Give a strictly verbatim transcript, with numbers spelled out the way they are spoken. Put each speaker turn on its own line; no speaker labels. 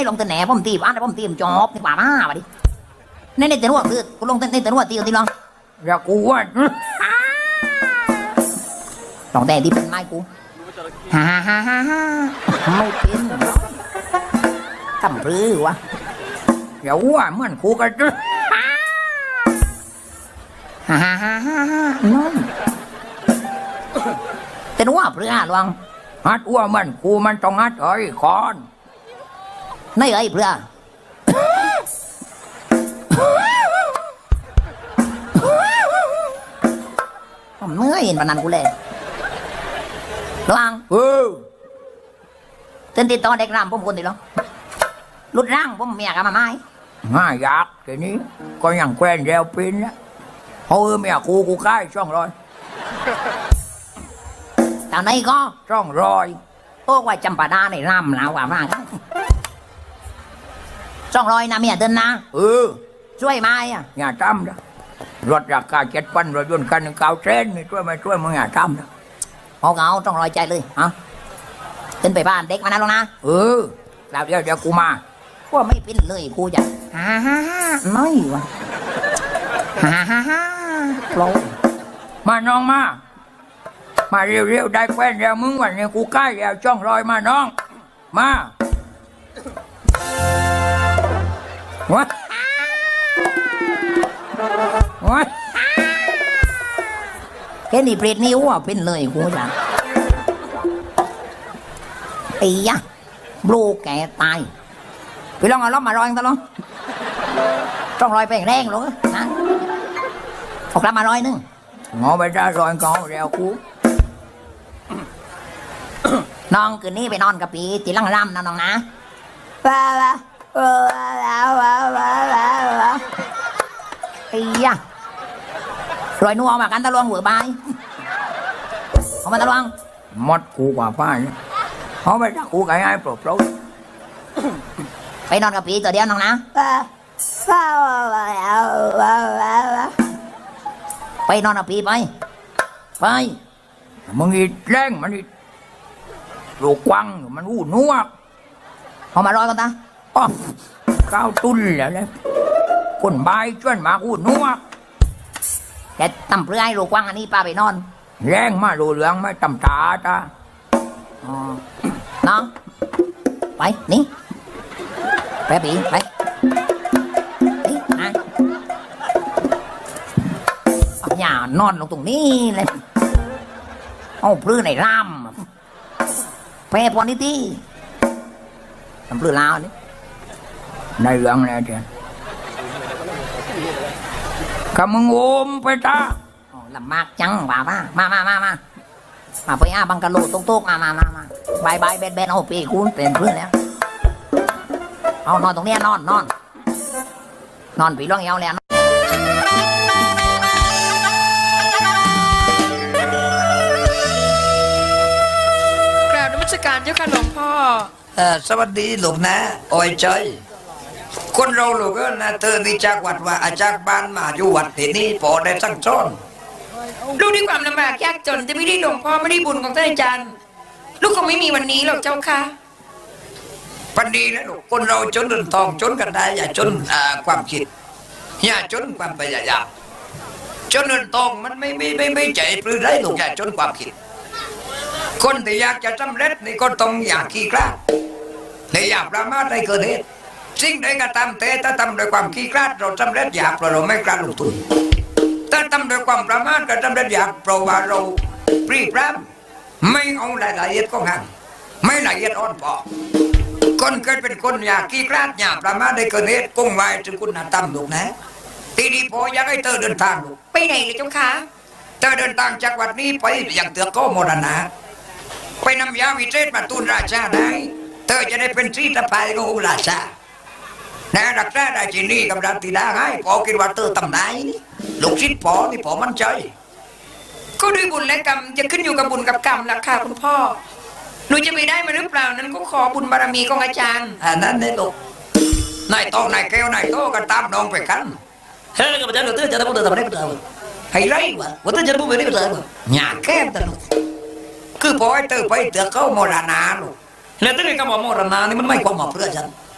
ลงแต่แหนผมตีบ้านผมตีมจอบนี่ป่ามาว่ะดิในในแต่หัวคือกูลงในแต่หัวตีตีลองอย่ากูว่าลองแต่ที่เป็นไม้กูฮ่าฮ่าฮ่าฮ่าไม่เป็นทำปลื้อวะอย่าว่าเหมือนกูกันจ้ะฮ่าฮ่าฮ่าฮ่าน้องแต่ว่าเปลือกลองฮัดว่ามันกูมันต้องฮัดเอ้ยคอนไม่เอ้ยเปลือกผมเมื่อยเห็นปนันกูเลยระวังเออเต้นติดต่อเด็กรำผมคนติดหรอลุดร่างผมเมียกันมาไหมง่ายยากทีนี้ก็ยังแควนเร็วปินนะเออเมียกูกูใกล้ช่องรอยตอนนี้ก็ช่องรอยโอ้ว่าจำปาดาในรำแล้วว่ามากช่องรอยนะเมียเดินนะเออช่วยไหมอ่ะอย่าจำนะรถราคาเจ็ดพันรถยนต์คันหนึ่งเก้าเซนนี่ช่วยไม่ช่วยมึงอย่าทำนะเอาเอาต้องรอยใจเลยฮะเดินไปบ้านเด็กมานะลงนะเออแล้วเดี๋ยวเดี๋ยวกูมาว่าไม่เป็นเลยกูจะฮ่าฮ่าฮ่าน้อยวะฮ่าฮ่าฮ่าโลมาน้องมามาเร็วๆได้แฟนแล้วมึงวันนี้กูใกล้แล้วช่องรอยมาน้องมาวะวะแค่นี้เปรตนิ้วอ่ะเป็นเลยกูจ้ะไอ้ยะบลูแกตายไปลองเอาล้อมมารอยกันตลอดต้องรอยไปแรงเลยนะออกล้อมมารอยนึงงอไปได้รอยกอเร็วกูน้องคืนนี้ไปนอนกับปีตีลังร่ำนะน้องนะว้าวว้าวว้าวว้าวว้าวว้าวไอ้ยะรอยนัวมากันตะลวงหัวใบเอามาตะลวงมดกูกว่าป้าเนี่ยเขาไปจักกูไก่ไอ้โปรดโปรดไปนอนกับปีตัวเดียวน้องนะไปนอนกับปีไปไปมึงอีแรงมันอีลูกกวางมันหูนัวเอามารอยกันตาอ๋อก้าวตุ้นแล้วเลยคนใบชวนมาหูนัวแกตำเปลือยลูกกวางอันนี้ป้าไปนอนแรงมาดูเหลืองไม่ตำตาตาอ๋อน้องไปนี่ไปปีไปนี่นะอย่านอนลงตรงนี้เลยเอาปลื้อในร่ำแพ้พอนิตี้ทำปลื้อลาวนี่ในเรื่องอะไรเจ้าขมึงโอมไปจ้าลำมากจังว่ามามามามามามาไปอาบังกะโลตรงโต๊ะมามามามาบายบายเบนเบนเอาปีกูเป็นเพื่อนแล้วเอานอนตรงนี้นอนนอนนอนปีร่องเอวแล้ว
กราบนมัสการเจ้าค่ะหลวงพ่อ
เออสวัสดีหลวงนะโอ้ยใจคนเราหลวงก็นะเธอนี่จากวัดว่าอาจากบ้านมาอยู่วัดที่นี่พอได้สั่งสอน
ลูกด้วยความลำบากยากจนจะไม่ได้หลวงพ่อไม่ได้บุญของท่านอาจารย์ลูกคงไม่มีวันนี้หรอกเจ้าค่ะ
ปันดีนะลูกคนเราจนเงินทองจนกันได้อย่าจนอ่าความคิดอย่าจนความพยายามจนเงินทองมันไม่ไม่ไม่ไม่ใจปลื้มได้ลูกอย่าจนความคิดคนที่อยากจะสำเร็จนี่ก็ต้องอยากขี้กล้าในอยากประมาทในเกิดเหตุสิ่งใดก็ตามแต่ถ้าทำด้วยความขี้กล้าเราสำเร็จอยากเพราะเราไม่กล้าลงทุนถ้าทำด้วยความประมาทก็สำเร็จอยากเพราะว่าเราปรีพร้ำไม่เอารายละเอียดของงานไม่ละเอียดอ่อนพอคนเกิดเป็นคนอยากขี้กล้าอยากประมาทในเกิดเหตุกุ้งไว้ถึงคุณธรรมลูกนะทีนี้พออยากให้เธอเดินทางลูก
ไปไหนเลยเจ้าค่ะ
เธอเดินทางจากวัดนี้ไปอย่างเตือกโกโมรณะไปนำยาวิเศษมาตูนราชาได้เธอจะได้เป็นชีตภัยขององค์ราชานะรักษาได้ที่นี่กับรัตติดาให้พอคิดว่าเธอทำได้ลูกศิษย์พอนี่พอมั่นใจ
ก็ด้วยบุญและกรรมจะขึ้นอยู่กับบุญกับกรรมราคาคุณพ่อหนูจะไปได้มาหรือเปล่านั้นก็ขอบุญบารมีของอาจารย์
อันนั้นเนี่ยลูกนายโตนายแก้วนายโตกันตามน้องไปกันเฮ้ยกับอาจารย์เราเตือนจะได้พูดแต่ไม่ได้พูดเลยให้ไรวะว่าเตือนจะได้พูดไม่ได้พูดเลยหยาแก้มตลอดคือพอไอ้เธอไปเตือนเขาโมรณาลูกแล้วที่นี่ก็บอกโมรณานี่มันไม่ความหมายเพื่อฉัน